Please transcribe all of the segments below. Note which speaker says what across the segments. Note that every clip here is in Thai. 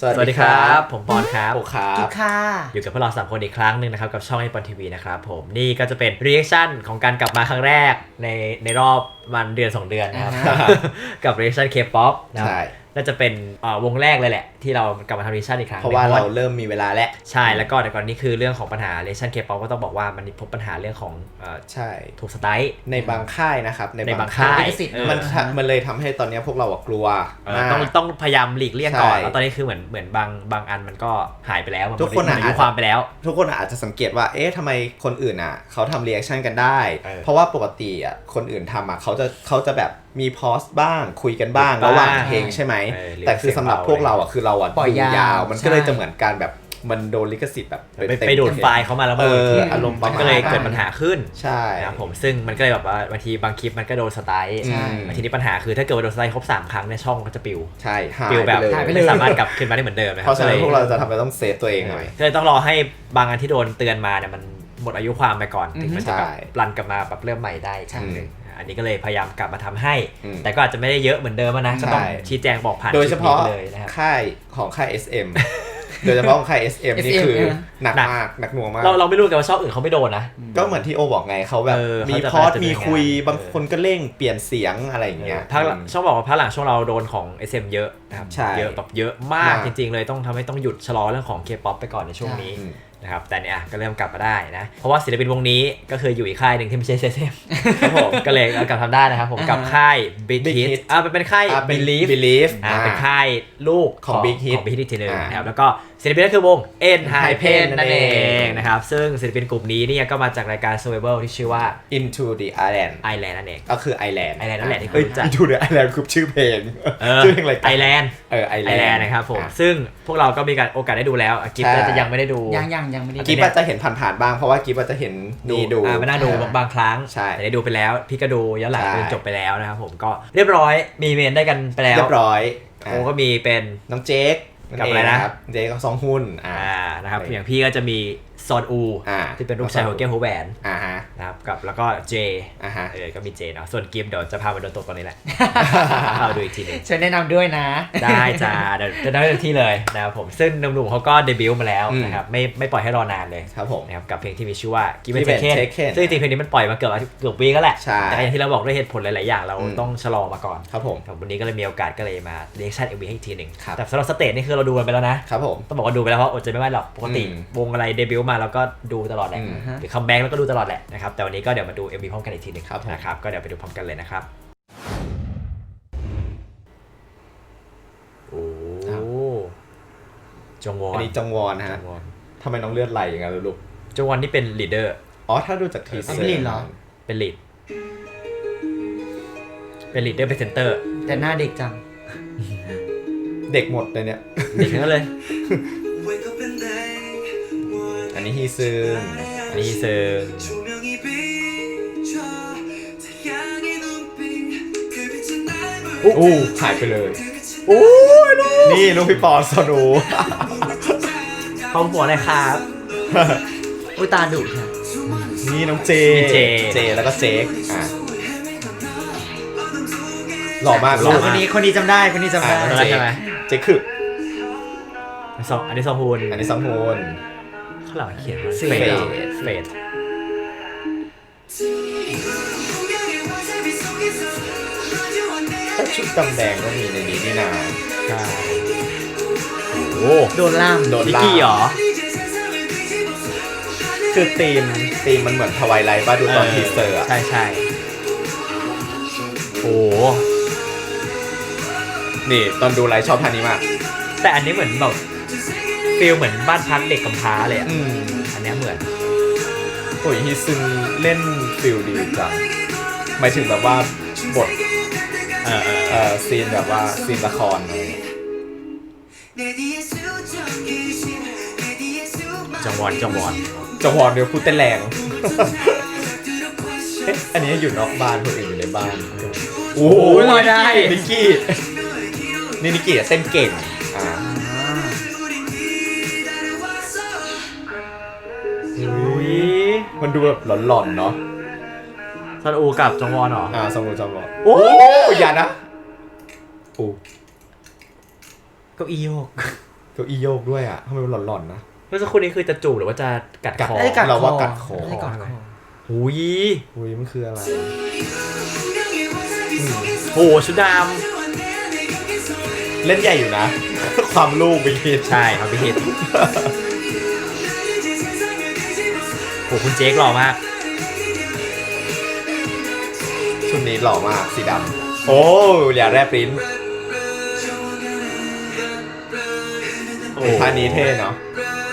Speaker 1: สวัสดีครับผมปอนครับ
Speaker 2: โอครับ
Speaker 3: กิ๊กค่ะ
Speaker 1: อยู่กับพวกเรา3 คนอีกครั้งหนึ่งนะครับกับช่องไอปอนทีวีนะครับผมนี่ก็จะเป็นรีแอคชั่นของการกลับมาครั้งแรกในรอบมันเดือน2 เดือนนะครับกับรีแอคชั่นเคป๊อปนะครับน่าจะเป็นวงแรกเลยแหละที่เรากลับมาทำรีแอคชั่นอีกครั้ง
Speaker 2: เพราะว่าเราเริ่มมีเวลาแล้ว
Speaker 1: ใช่แล้วก็แต่ก่อนนี้คือเรื่องของปัญหารีแอคชั่นเคป๊อปก็ต้องบอกว่ามันพบปัญหาเรื่องของ
Speaker 2: ใช่
Speaker 1: ถูกสไตล์
Speaker 2: ในบางค่ายนะครับ
Speaker 1: ในบางค่าย
Speaker 2: มันเลยทำให้ตอนนี้พวกเรากลัว
Speaker 1: ต้องพยายามหลีกเลี่ยงก่อนแล้วตอนนี้คือเหมือนบางอันมันก็หายไปแล้ว
Speaker 2: ทุกคน
Speaker 1: อายุความไปแล้ว
Speaker 2: ทุกคนอาจจะสังเกตว่าเอ๊ะทำไมคนอื่นเขาทำรีแอคชั่นกันได้เพราะว่าปกติคนอื่นทำเขาจะแบบมีพอสบ้างคุยกันบ้างระหว่างเพลงใช่ไหมแต่คือสำหรับพวกเราคือเรา
Speaker 3: ปล่อยยาว
Speaker 2: มันก็เลยจะเหมือนการแบบมันโดนลิขสิทธิ์แบบ
Speaker 1: ไปดูดไฟล์เขามาแล้ว
Speaker 2: อารมณ์ประมาณ
Speaker 1: ก็เลยเกิดปัญหาขึ้น
Speaker 2: ใช่
Speaker 1: นะครับผมซึ่งมันก็เลยแบบว่าบางทีบางคลิปมันก็โดนสไตล์ทีนี้ปัญหาคือถ้าเกิดว่าโดนสไตล์ครบ3 ครั้งในช่องก็จะปิว
Speaker 2: ใช่
Speaker 1: ปิวแบบไม่สามารถกลับขึ้นมาได้เหมือนเดิม
Speaker 2: เพราะฉะนั้นพวกเราจะทำอะไรต้องเซฟตัวเองหน่อย
Speaker 1: ก็เลยต้องรอให้บางอันที่โดนเตือนมาเนี่ยมันหมดอายุความไปก่อนถึงมันจะแบบรันกลับมาแบบเริ่มใหม่ได้ครั้งนึงอันนี้ก็เลยพยายามกลับมาทำให้แต่ก็อาจจะไม่ได้เยอะเหมือนเดิมนะก็ต้องชี้แจงบอกผ่าน
Speaker 2: โดยเฉพาะ
Speaker 1: เลยนะครับ
Speaker 2: ค่ายของค่าย SM โดยเฉพาะของค่าย SM นี่คือหนักมากหนักหน่วงมาก
Speaker 1: เราไม่รู้กันว่าช่องอื่นเขาไม่โดนนะ
Speaker 2: ก็เหมือนที่โอบอกไงเขาแบบมีพอดมีคุยบางคนก็เร่งเปลี่ยนเสียงอะไรอย่างเงี้ย
Speaker 1: ช่องบอกว่าภาคหลังช่องเราโดนของ SM เยอะนะครับเยอะแบบเยอะมากจริงๆเลยต้องทำให้ต้องหยุดชะลอเรื่องของ K-POP ไปก่อนในช่วงนี้นะครับแต่เนี่ยก็เริ่มกลับมาได้นะเพราะว่าศิลปินวงนี้ก็คืออยู่อีกค่ายหนึ่งที่ไม่ใช่ SM ครับผมก็เลยกลับทำได้นะครับผมกับค่าย Big Hit เป็นค่าย Believe เป็นค่ายลูก
Speaker 2: ของ Big Hit
Speaker 1: อีกทีนึงนะครับแล้วก็ศิลปินก็คือวง ENHYPEN นั่นเองนะครับซึ่งศิลปินกลุ่มนี้เนี่ยก็มาจากรายการ Survival ที่ชื่อว่า
Speaker 2: Into the Island
Speaker 1: นั่นเอง
Speaker 2: ก็คือ Island
Speaker 1: นั่นแหละที่คุณรู้จัก
Speaker 2: Into the Island คือชื่อเพลงชื่อเพลงอะไร
Speaker 1: Island
Speaker 2: Island
Speaker 1: นะครับผมซึ่งพวกเราก็มีการโอกาสได้ดูแล้วกิฟต์จะยังไม่ได้ดู
Speaker 3: ยังไม่ได้
Speaker 2: กิฟต์จะเห็นผ่านๆบ้างเพราะว่ากิฟต์จะเห็นดู
Speaker 1: ไม่น่าดูบางครั้งแต่ได้ดูไปแล้วพี่ก็ดูย้อนหลังจนจบไปแล้วนะครับผมก็เรียบร้อยมีเมนได้กันไปแล้ว
Speaker 2: เรียบร้อย
Speaker 1: โอ้ก็มีเป็น
Speaker 2: น้องเจ๊ก
Speaker 1: กับอะไรนะ
Speaker 2: เจ๊กับซองฮุน
Speaker 1: นะครับอย่างพี่ก็จะมีซอนอูที่เป็นลูกชายของเก้หัวแหวนนะครับกับแล้วก็เจก็มีเจเนาะส่วนกิฟต์เดี๋ยวจะพาไปโดนตกตอนนี้แหละเราดูอีกทีนึง
Speaker 3: ฉันแนะนำด้วยนะ
Speaker 1: ได้จ้าเดี๋ยวจะได้ที่เลยนะครับผมซึ่งหนุ่มๆเขาก็เดบิวต์มาแล้วนะครับไม่ปล่อยให้รอนานเลย
Speaker 2: ครับผม
Speaker 1: นะครับกับเพลงที่มีชื่อว่า Give and Take ซึ่งจริงเพลงนี้มันปล่อยมาเกือบวีก็แหละแต่อย่างที่เราบอกด้วยเหตุผลหลายๆอย่างเราต้องชะลอมาก่อน
Speaker 2: ครับผม
Speaker 1: วันนี้ก็เลยมีโอกาสก็เลยมาเรีแอคชั่น MV ให้อีกทีนึงแต่สำหรับสเตจนี่คือเราดูกันไปแล้วนะครับ
Speaker 2: ผม
Speaker 1: ต้องบอกว่าดูไปแล้วเพราะอดใจไม่ไหวหรอกปกติวงอะไรเดบิวต์มาเราก็ดูตลอดแหละหรือคัมแบ็กแล้วก็ดูตลอดแหละนะครับแต่วันนี้ก็เดี๋ยวมาดู MV พร้อมกันอีกทีนึงนะครับก็เดี๋ยวไปดูพร้อมกันเลยนะครับโอ้จงวอน
Speaker 2: อันนี้จงวอนฮะทำไมน้องเลือดไหลอย่างนั้นลูก
Speaker 1: จงวอนนี่เป็นลีดเดอร์
Speaker 2: ถ้าดูจากทีเซอร์
Speaker 1: เป็นลีดเป็นเซนเตอร์
Speaker 3: แต่หน้าเด็กจัง
Speaker 2: เด็กหมดเลยเนี่ย
Speaker 1: เด็กทั้งเลย
Speaker 2: อันนี้ฮีซึงหายไปเลยนี่ลูกพี่ปอนสนู
Speaker 1: พร้อมหัวเลยครับ
Speaker 3: ตาดุค่ะ
Speaker 2: นี่น้องเจแล้วก็เจ๊กหล่อมาก
Speaker 3: คนนี้จำได้
Speaker 1: ใช่ไหม
Speaker 2: เจ๊คือ
Speaker 1: อันนี้ซองฮูนข้างหลังเขียนว่าเฟด
Speaker 2: ชุดดำแดงก็มีในนี้นี่นา
Speaker 1: ใช่
Speaker 3: โดนล่าม
Speaker 1: นิกกี้เหรอ
Speaker 2: คือธีมมันเหมือนทวายไลท์ป่ะดูตอนทีเซอร์
Speaker 1: ใช่
Speaker 2: นี่ตอนดูไลท์ชอบท่านี้มาก
Speaker 1: แต่อันนี้เหมือนแบบฟีลเหมือนบ้านพักเด็กกำพร้าเลยอันนี้เหมือน
Speaker 2: ฮีซึงเล่นฟีลดีจังหมายถึงแบบว่าบทซีนแบบว่าซีนละครอะไร
Speaker 1: จังหวอนเ
Speaker 2: ดี๋ยวพูดเต้นแรงอันนี้อยู่นอกบ้านคนอื่นอยู่ในบ้าน
Speaker 1: โอ้ยได้
Speaker 2: นิกกี้เต้นเก่งมันดูแบบหลอนๆเนาะ
Speaker 1: ซอนอูกับจงวอนเหรอ
Speaker 2: ซอนอูโอ้อย่านะ
Speaker 1: เก้าอี้โยก
Speaker 2: เก้าอี้โยกด้วยอ่ะทำไมมันหลอนๆนะ
Speaker 1: เมื่อสักครู่นี้คือจะจูบหรือว่าจะกัดคอ
Speaker 2: เราว่ากัดคอ
Speaker 1: หุย
Speaker 2: มันคืออะไร
Speaker 1: โหชุดด
Speaker 2: ำเล่นใหญ่อยู่นะ ความลูกไปคิด
Speaker 1: ใช่ครับพี่คิดโหคุณเจคหล่อมาก
Speaker 2: ชุดนี้หล่อมากสีดำโอ้อย่าแรบลิ้นท่านี้เท่เนาะ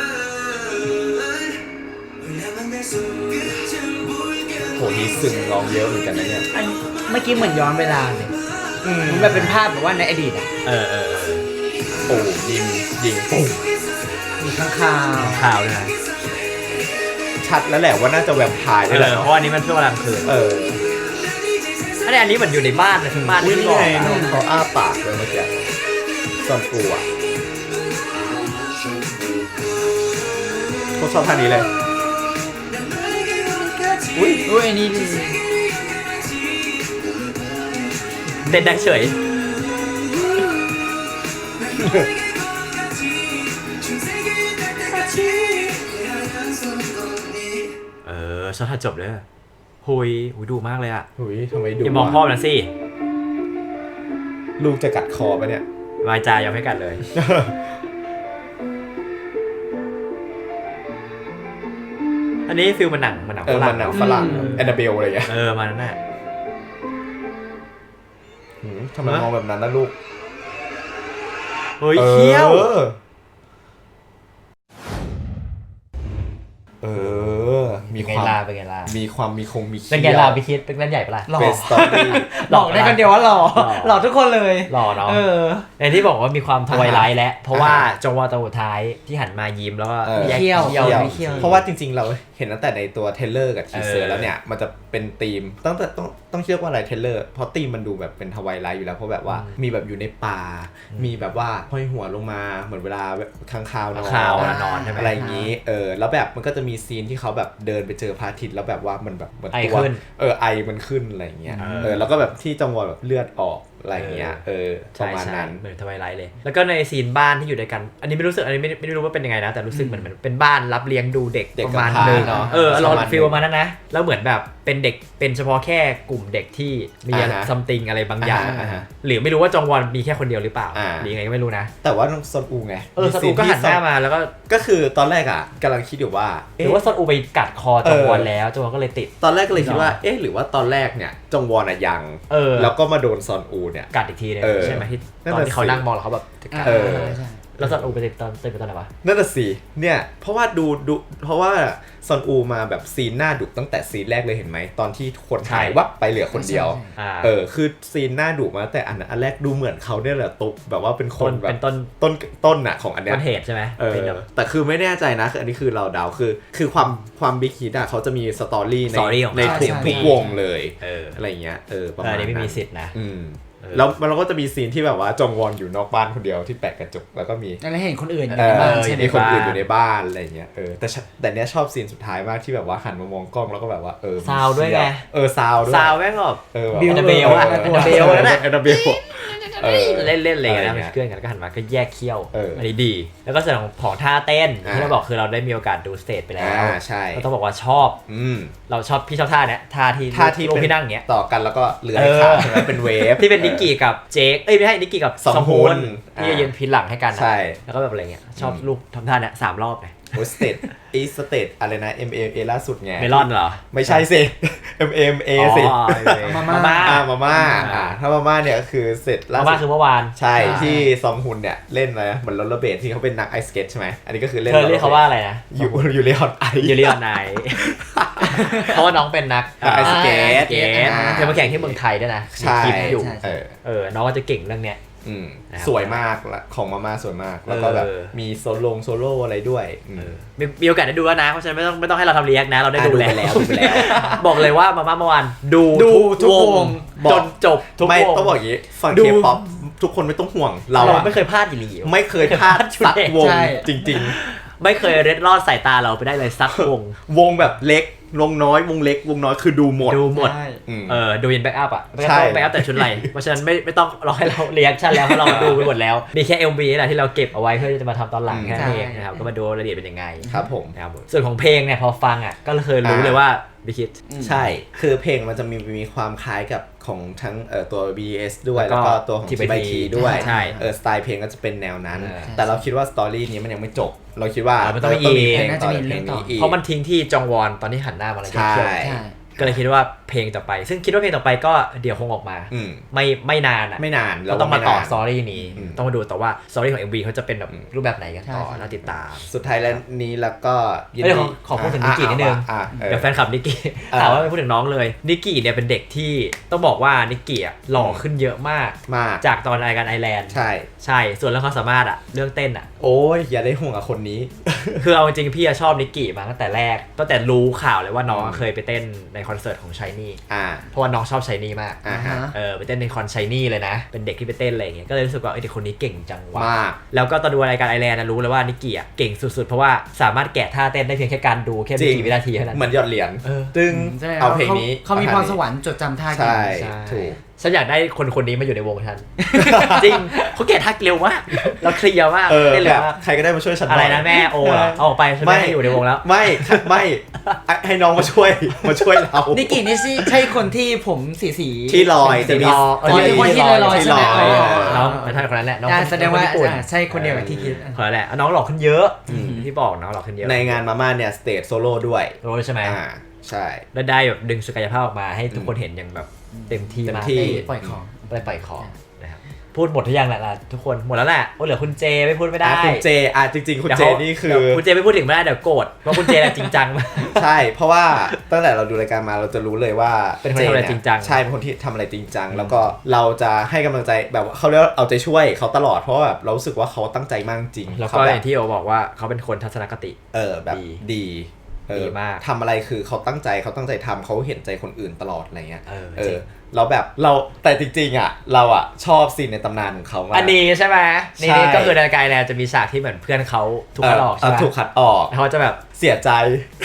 Speaker 2: โหนี้ซึ้งร้องเยอะเหมือนกันนะเนี่ย
Speaker 3: เมื่อกี้เหมือนย้อนเวลาเลยมันแบบเป็นภาพแบบว่าในอดีตอ่ะ
Speaker 2: โอ้ยิงปุ๊บ
Speaker 3: มีข้าง
Speaker 1: ข่าวด้วยนะ
Speaker 2: ชัดแล้วแหละว่าน่าจะแวมไพร์ด้วยแหละ
Speaker 1: เพราะอันนี้มันช่วงกลางคืนอันนี้เหมือนอยู่ในบ้านเลยบ้าน
Speaker 2: ที่บอกเขาอ้าปากเลยเมื่อกี้ซอนกูอ่ะเขาชอบท่านี้เลย
Speaker 3: อุ้ยอันนี้
Speaker 1: เต้นได้เฉยชอบถ้าจบเลยหุยดูมากเลยอ่ะ
Speaker 2: ทำไมดู
Speaker 1: อย่ามองพ่อนะสิ
Speaker 2: ลูกจะกัดคอปะเนี่
Speaker 1: ยวายจายอมให้กัดเลยอันนี้ฟิลมันหนัง
Speaker 2: ฝรั่งแอนนาเบลอะไรอย่างเงี้ย
Speaker 1: มานั่นน่ะ
Speaker 2: ทำไมมองแบบนั้นนะลูก
Speaker 1: เฮ้ยเขี้ยว
Speaker 2: มีความ
Speaker 1: เป็นไงล่ะ
Speaker 2: มีความมี
Speaker 1: เป็นไงล่ะพี่คิดเป็นเล่นใหญ่ปะล่ะ
Speaker 3: หล่อหล่อได้คนเดียวว่าหล่อทุกคนเลย
Speaker 1: หล่อเนาะในที่บอกว่ามีความทวายไลท์แล้วเพราะว่าจังหวะตัวท้ายที่หันมายิ้มแล้วก็
Speaker 3: เขี้ยว
Speaker 2: เพราะว่าจริงๆเราเห็นตั้งแต่ในตัวเทเลอร์กับทีเซอร์แล้วเนี่ยมันจะเป็นธีมต้องเชื่อว่าอะไรเทเลอร์เพราะธีมมันดูแบบเป็นทวายไลท์อยู่แล้วเพราะแบบว่ามีแบบอยู่ในป่ามีแบบว่าห้อยหัวลงมาเหมือนเวลาค้างคาวน
Speaker 1: อน
Speaker 2: อะไรอย่างนี้แล้วแบบมันก็จะมีซีนที่เขาแบบเดินไปเจอพระอาทิตย์แล้วแบบว่ามันแบบตัวไอมันขึ้นอะไรอย่างเงี้ยแล้วก็แบบที่จังหวะแบบเลือดออกอะไรเงี้ยประมาณนั้น
Speaker 1: เหมือนทวายไลท์เลยแล้วก็ในซีนบ้านที่อยู่ด้วยกันอันนี้ไม่รู้สึกอันนี้ไม่รู้ว่าเป็นยังไงนะแต่รู้สึกเหมือนเป็นบ้านรับเลี้ยงดูเด็กประมาณนึงเนาะเราฟีลประมาณนั้นนะแล้วเหมือนแบบเป็นเด็กเป็นเฉพาะแค่กลุ่มเด็กที่มีซัมติงอะไรบางอย่างหรือไม่รู้ว่าจองวอนมีแค่คนเดียวหรือเปล่าหรือยังไงก็ไม่รู้นะ
Speaker 2: แต่ว่าซอนอูไง
Speaker 1: ซอนอูก็หันหน้ามาแล้ว
Speaker 2: ก็คือตอนแรกอ่ะกำลังคิดอยู่ว่า
Speaker 1: หรือว่าซอนอูไปกัดคอจองวอนแล้วจองวอนก็เลยติด
Speaker 2: ตอนแรกก็เลยคิดว่าหรือว่าตอนแรกเนี่ยจองวอนอ่ะยังแล้วก็มาโดนซอนอูเนี่ย
Speaker 1: กัดอีกทีนึงใช่ไหมที่ตอนที่เขานั่งมองแล้วเขาแบบแล้วซอนอูไปติดตอนไหนวะ
Speaker 2: นั่นน่ะสิเนี่ยเพราะว่าเพราะว่าซอนอูมาแบบซีนหน้าดุตั้งแต่ซีนแรกเลยเห็นไหมตอนที่คนหายวับไปเหลือคนเดียวคือซีนหน้าดุมาแต่อันแรกดูเหมือนเขาเนี่ยแหละตุ๊บแบบว่าเป็นคนแบบต้นน่ะของอันเนี้ย
Speaker 1: ต้นเหตุใช่ไหม
Speaker 2: แต่คือไม่แน่ใจนะคืออันนี้คือเราเดาคือความบิ๊กฮิตอ่ะเขาจะมีสตอรี่ในทุกวงเลยอะไรเงี้ย
Speaker 1: ประมาณนี้ไม่มีสิทธิ์นะ
Speaker 2: แล้วเราก็จะมีซีนที่แบบว่าจงวอนอยู่นอกบ้านคนเดียวที่แปะกระจกแล้วก็มี
Speaker 3: แล้วเห็นคนอื่นอยู่
Speaker 2: ในบ้านใช่ไหมคนอื่นอยู่ในบ้านอะไรเงี้ยแต่เนี้ยชอบซีนสุดท้ายมากที่แบบว่าหันมามองกล้องแล้วก็แบบว่า
Speaker 1: ซาวด้วยไง
Speaker 2: ซาวด้วย
Speaker 1: ซาวแม่งแบบบิวนาเบลอะนาเบลนั่นแหละ
Speaker 2: นาเบล
Speaker 1: เล่นเลยนะเป็นเพื่อนกันก็หันมาก็แยกเขี้ยวอันนี้ดีแล้วก็ส่วนของท่าเต้นที่เราบอกคือเราได้มีโอกาสดูสเตจไปแล้ว
Speaker 2: ใช่
Speaker 1: เราต้องบอกว่าชอบเราชอบพี่ชอบท่าเนี้ยท่าที่ลงพี่นั่งเงี้ย
Speaker 2: ต่อกันแล้วก็เลื้อยขาใช่ไหมเป็นเวฟ
Speaker 1: ที่เป็นนิกกี้กับเจคไม่ใช่นิกกี้กับซองฮุนที่ยืนพินหลังให้กันแล้วก็แบบอะไรเงี้ยชอบลูกทำท่าเนี้ย3 รอบเลย
Speaker 2: สเตทอะไรนะ MMA ล่าสุดไง
Speaker 1: เมลอนเหรอ
Speaker 2: ไม่ใช่สิ MMA สิ
Speaker 1: มาม่า
Speaker 2: ถ้ามาม่าเนี่ยคือเสร็จ
Speaker 1: ล่าสุดมาม่าคือเมื่อวาน
Speaker 2: ใช่ที่ซองฮุนเนี่ยเล่นนะเหมือนโรลเลอร์เบดที่เขาเป็นนักไอสเก็ตใช่ไหมอันนี้ก็คือเล่น
Speaker 1: เรียกเขาว่าอะไรนะ
Speaker 2: ยูเรียนไอ
Speaker 1: เพราะว่าน้องเป็นนัก
Speaker 2: ไอสเก็ต
Speaker 1: เคยมาแข่งที่เมืองไทยด้วยนะ
Speaker 2: คลิป
Speaker 1: อยู่น้องก็จะเก่งเรื่องเนี้ย
Speaker 2: สวยมากของมาม่าสวยมากแล้วก็แบบมีโซโล่อะไรด้วย
Speaker 1: มีโอกาสได้ดูแล้วนะเพราะฉะนั้นไม่ต้องให้เราทำเรียกนะเราได้ดูแล้วบอกเลยว่ามาม่าเมื่อวานดูทุกวงจนจบทุกวง
Speaker 2: ไม่ต้องบอกอย่างนี้ฝั่งเคป๊อปทุกคนไม่ต้องห่วงเรา
Speaker 1: ไม่เคยพลาดอยู่ดี
Speaker 2: ไม่เคยพลาดสักวงจริง
Speaker 1: ๆไม่เคยเร็ดรอดสายตาเราไปได้เลยสักวง
Speaker 2: แบบเล็กวงน้อยวงเล็กวงน้อยคือดูหมด
Speaker 1: ดูยันแบ็กอัพอ่ะไม่ต้องแบ็กอัพแต่ชุดไหลเพราะฉะนั้นไม่ต้องรอให้เราเรีแอคชั่นแล้วเพราะเราดูไปหมดแล้วมีแค่ MV นี่แหละที่เราเก็บเอาไว้เพื่อจะมาทำตอนหลังแค่นั้นเองนะครับก็มาดูรายละเอียดเป็นยังไง
Speaker 2: ครับผม
Speaker 1: นะครับส่วนของเพลงเนี่ยพอฟังอ่ะก็เคยรู้เลยว่าบิ๊กฮิต
Speaker 2: ใช่คือเพลงมันจะมีความคล้ายกับของทั้งตัว BTS ด้วยแล้วก็ตัวของ TYT ด้วยสไตล์เพลงก็จะเป็นแนวนั้นแต่เราคิดว่าสตอรี่นี้มันยังไม่จบเราคิดว่า
Speaker 1: มันต้องมีเพลง
Speaker 3: น่าจะมีเรื่องต่อ
Speaker 1: เพราะมันทิ้งที่จองวอนตอนที่หันหน้ามาแล้วก็เลยคิดว่าเพลงต่อไปซึ่งคิดว่าเพลงต่อไปก็เดี๋ยวคงออกมาไม่นาน
Speaker 2: เรา
Speaker 1: ต้องมาต่อสตอรี่นี้ต้องมาดูแต่ว่าสตอรี่ของ MV เขาจะเป็นแบบรูปแบบไหนกันต่อน่าติดตาม
Speaker 2: สุดท้ายแล้วนี้แล้วก็
Speaker 1: ขอพูดถึงนิกกี้นิดนึงเดี๋ยวแฟนคลับนิกกี้ถามว่าไม่พูดถึงน้องเลยนิกกี้เนี่ยเป็นเด็กที่ต้องบอกว่านิกกี้หล่อขึ้นเยอะมากจากตอนรายการไอแลนด์ใช่ส่วนเรื่องความสามารถเรื่องเต้น
Speaker 2: โอ้ยอย่าได้ห่วงกับคนนี้
Speaker 1: คือเอาจริงพี่ชอบนิกกี้มาตั้งแต่แรกตั้งแต่รู้ข่าวเลยว่าน้องเคยไปเต้นในคอนเสิร์ตของ Shiny เพราะว่าน้องชอบ Shiny มากไปเต้นในคอน Shiny เลยนะเป็นเด็กที่ไปเต้นอะไรอย่างเงี้ยก็เลยรู้สึกว่าเด็กคนนี้เก่งจังวะแล้วก็ตอนดูรายการไอแลนด์รู้เลยว่านิกกี้เก่งสุดๆเพราะว่าสามารถแกะท่าเต้นได้เพียงแค่การดูแค่ไม่กี่วินาทีเท่านั้น
Speaker 2: เหมือนหยอดเหรียญตึงเอาเพลงนี้
Speaker 3: เขามีพรสวรรค์จดจำท่า
Speaker 2: เก่งใช่ถูก
Speaker 1: ฉันอยากได้คนนี้มาอยู่ในวงฉันจริงเขาแกะทักเร็วมากเราเคลียร์มากได้เลยว่า
Speaker 2: ใครก็ได้มาช่วยฉัน
Speaker 1: อะไรนะแม่โอ้เอาออกไปฉันไม่ให้อยู่ในวงแล้ว
Speaker 2: ไม่ให้น้องมาช่วยเรา
Speaker 3: นิกกี้นี่ใช่คนที่ผมสี
Speaker 2: ที่ลอยจะมี
Speaker 3: คนที่ลอยใช่ไหม
Speaker 1: น้องเป็นท่านคนนั้นแหละน้อง
Speaker 3: แสดงว่าใช่คนเดียวกับที่คิด
Speaker 1: คนนั้นแหละน้องหล่อขึ้นเยอะที่บอกน้องหล่อขึ้นเยอะ
Speaker 2: ในงานมาม่าเนี่ยสเตจโซโล่ด้วย
Speaker 1: ใช่ไหม
Speaker 2: ใช่
Speaker 1: ได้แบบดึงศักยภาพออกมาให้ทุกคนเห็นอย่างแบบเต็มที่มาก
Speaker 3: ปล่อยของ
Speaker 1: นะครับพูดหมดทุกอย่างแหละทุกคนหมดแล้วแหละเหลือคุณเจไม่พูดไม่ได้
Speaker 2: คุณเจจริงๆคุณเจนี่คือ
Speaker 1: คุณเจไม่พูดถึงไม่ได้เดี๋ยวโกรธเพราะคุณเจจริงจัง
Speaker 2: ใช่เพราะว่าตั้งแต่เราดูรายการมาเราจะรู้เลยว่า
Speaker 1: เป็นคนทำอะไรจริงจัง
Speaker 2: ใช่เป็นคนที่ทำอะไรจริงจังแล้วก็เราจะให้กำลังใจแบบเขาเรียกเอาใจช่วยเขาตลอดเพราะว่าแบบเรารู้สึกว่าเขาตั้งใจมากจริง
Speaker 1: แล้วก็อย่างที่โอบอกว่าเขาเป็นคนทัศนคติ
Speaker 2: แบบดี
Speaker 1: มาก
Speaker 2: ทำอะไรคือเขาตั้งใจทำเขาเห็นใจคนอื่นตลอดอะไรเงี้ยเราแบบแต่จริงๆเราชอบซีนในตำนานของเขามาก
Speaker 1: อันนี้ใช่ไหมนี่ก็คือในรายการแล้วจะมีฉากที่เหมือนเพื่อนเขาถูกคัดออกใช่ไหม
Speaker 2: ถูกคัดออก
Speaker 1: เขาจะแบบ
Speaker 2: เสียใจ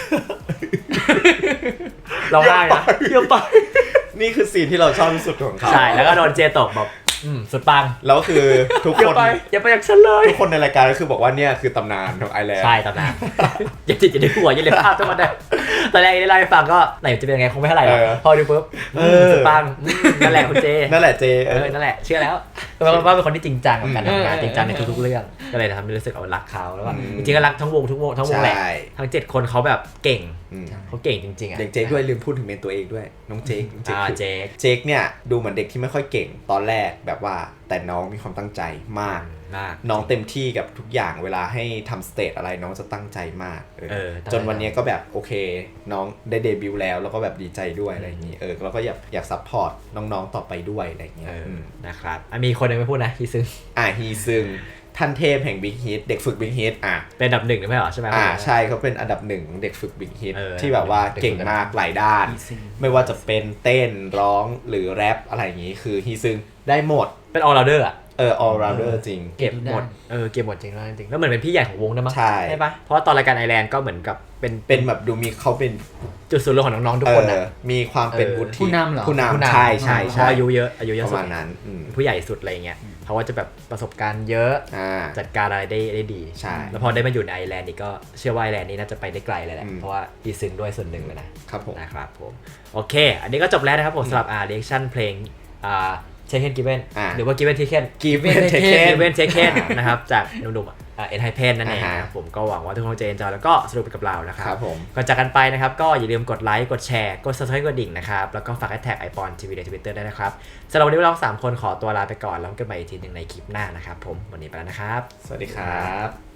Speaker 1: เราได้นะ
Speaker 2: เยอะไปนี่คือซีนที่เราชอบที่สุดของเขา
Speaker 1: ใช่แล้วก็โดนเจตกแบบสุดปัง
Speaker 2: แล้วคือทุกคน
Speaker 1: อย่าไปอย่างฉันเลย
Speaker 2: ทุกคนในรายการก็คือบอกว่าเนี่ยคือตำนานของไอแลนด์
Speaker 1: ใช่ตำนานอย่าจิตอย่าได้หัวอย่าเลยภาพทั้งหมดเลยตอนแรกได้ไล่ฟังก็ไหนจะเป็นยังไงคงไม่เท่าไหร่หรอกพอดูปุ๊บสุดปังนั่นแหละคุณเจ
Speaker 2: นั่นแหละเจ
Speaker 1: นั่นแหละเชื่อแล้วว่าเป็นคนที่จริงจังกับการทำงานจริงจังในทุกๆเรื่องก็เลยทำให้รู้สึกรักเขาแล้วก็จริงๆก็รักทั้งวงแหละทั้ง7คนเขาแบบเก่งเขาเก่งจริงๆ
Speaker 2: เด็กเจคด้วยลืมพูดถึงเมนตัวเองด้วยน้องเจคเนี่ยดูเหมือนเด็กที่ไม่ค่อยเก่งตอนแรกแบบว่าแต่น้องมีความตั้งใจมากน้องเต็มที่กับทุกอย่างเวลาให้ทำสเตจอะไรน้องจะตั้งใจมากจนวันนี้ก็แบบโอเคน้องได้เดบิวต์แล้วก็แบบดีใจด้วยอะไรอย่างนี้แล้วก็อยากซัพพอร์ตน้องๆต่อไปด้วยอะไรอย่างเงี้ย
Speaker 1: นะครับมีคนนึงไม่พูดนะฮีซึง
Speaker 2: ฮีซึงท่านเทพแห่งบิ๊กฮิตเด็กฝึกบิ๊กฮิต
Speaker 1: เป็นอันดับ1ไม่เหรอใช่ไหม
Speaker 2: ใช่เขาเป็นอันดับ1เด็กฝึกบิ๊กฮิตที่แบบว่าเก่งมากหลายด้านไม่ว่าจะเป็นเต้นร้องหรือแรปอะไรอย่างงี้คือฮีซึงได้หมด
Speaker 1: เป็น all rounder
Speaker 2: all rounder จริง
Speaker 1: เก็บหมดเก็บหมดจริงแล้วจริงแล้วเหมือนเป็นพี่ใหญ่ของวงนะมั้งใช่ปะเพราะว่าตอนรายการไอแลนด์ก็เหมือนกับ
Speaker 2: เป็นแบบดูมีเขาเป็น
Speaker 1: จุดศูนย์รวมของน้องๆทุกคน
Speaker 2: มีความเป็นวุฒิ
Speaker 3: ผู้นำเหรอ
Speaker 2: ผู้นำใช่
Speaker 1: อายุเยอะ
Speaker 2: ประมาณนั้น
Speaker 1: ผู้ใหญ่สุดอะไรเงี้ยเขาว่าจะแบบประสบการณ์เยอะจัดการอะไรได้ดี
Speaker 2: ใช่
Speaker 1: แล้วพอได้มาอยู่ในไอแลนด์นี่ก็เชื่อว่าไอแลนด์นี่น่าจะไปได้ไกลเลยแหละเพราะว่าอีซึงด้วยส่วนหนึ่งเลยนะครับผมโอเคอันนี้ก็จบแล้วนะครับผมสำหรับreaction เพลงเทคเคนกิเวนหรือว่ากิเวนเทคเคนนะครับจากหนุ่มเอ็นไฮเพนนั่นเองนะครับผมก็หวังว่าทุกคนจะเอนจอยแล้วก็สนุกไปกับเรานะครับก่อนจากกันไปนะครับก็อย่าลืมกดไลค์กดแชร์กด Subscribe กดดิ่งนะครับแล้วก็ฝากแท็ก iPon TV ใน Twitter ได้นะครับสำหรับวันนี้เรา3คนขอตัวลาไปก่อนแล้วกันใหม่อีกทีนึงในคลิปหน้านะครับผมวันนี้ไปแล้วนะครับ
Speaker 2: สวัสดีครับ